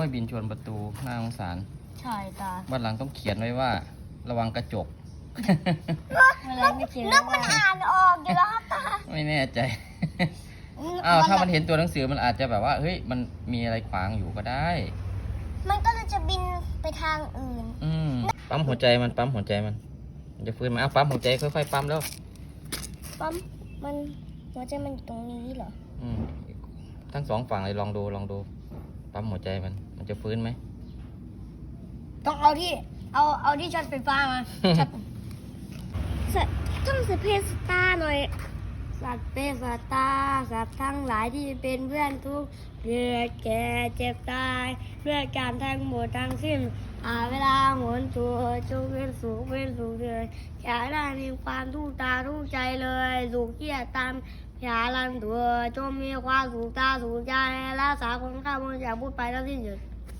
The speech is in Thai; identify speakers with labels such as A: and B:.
A: ยบินชนประตูน่าสงสาร
B: ใช่ตา
A: วันหลังต้องเขียนไว้ว่า ระวังกระจก
B: นกมันอ่านออกอยู่แล้วครับตา
A: ไม่แน่ใจอ้าวถ้ามันเห็นตัวหนังสือมันอาจจะแบบว่าเฮ้ยมันมีอะไรขวางอยู่ก็ได้
B: มันก็จะบินไปทางอื่น
A: ปั๊มหัวใจมันปั๊มหัวใจมันจะฟื้นมาปั๊มหัวใจค่อยๆปั๊มแล้ว
B: ปั๊มมันหัวใจมันอยู่ตรงนี้เหรอ
A: ทั้งสองฝั่งเลยลองดูปั๊มหัวใจมันจะฟื้นไหม
B: ต้องเอาที่ช็อตไฟฟ้ามาต้องสเปซตาหน่อยสัตว์เป็นสัตว์ตาสัตว์ทั้งหลายที่เป็นเพื่อนทุกเกิดแก่เจ็บตายเพื่อการทั้งหมดทั้งสิ้นเวลาหมุนตัวจงเป็นสุขเลยอย่าได้มีความทุกข์ตาทุกข์ใจเลยสุขเกียรตามอย่าลันตัวจงมีความสุขตาสุขใจรักษาคนข้ามนอย่าพูดไปแล้วสิ้นสุด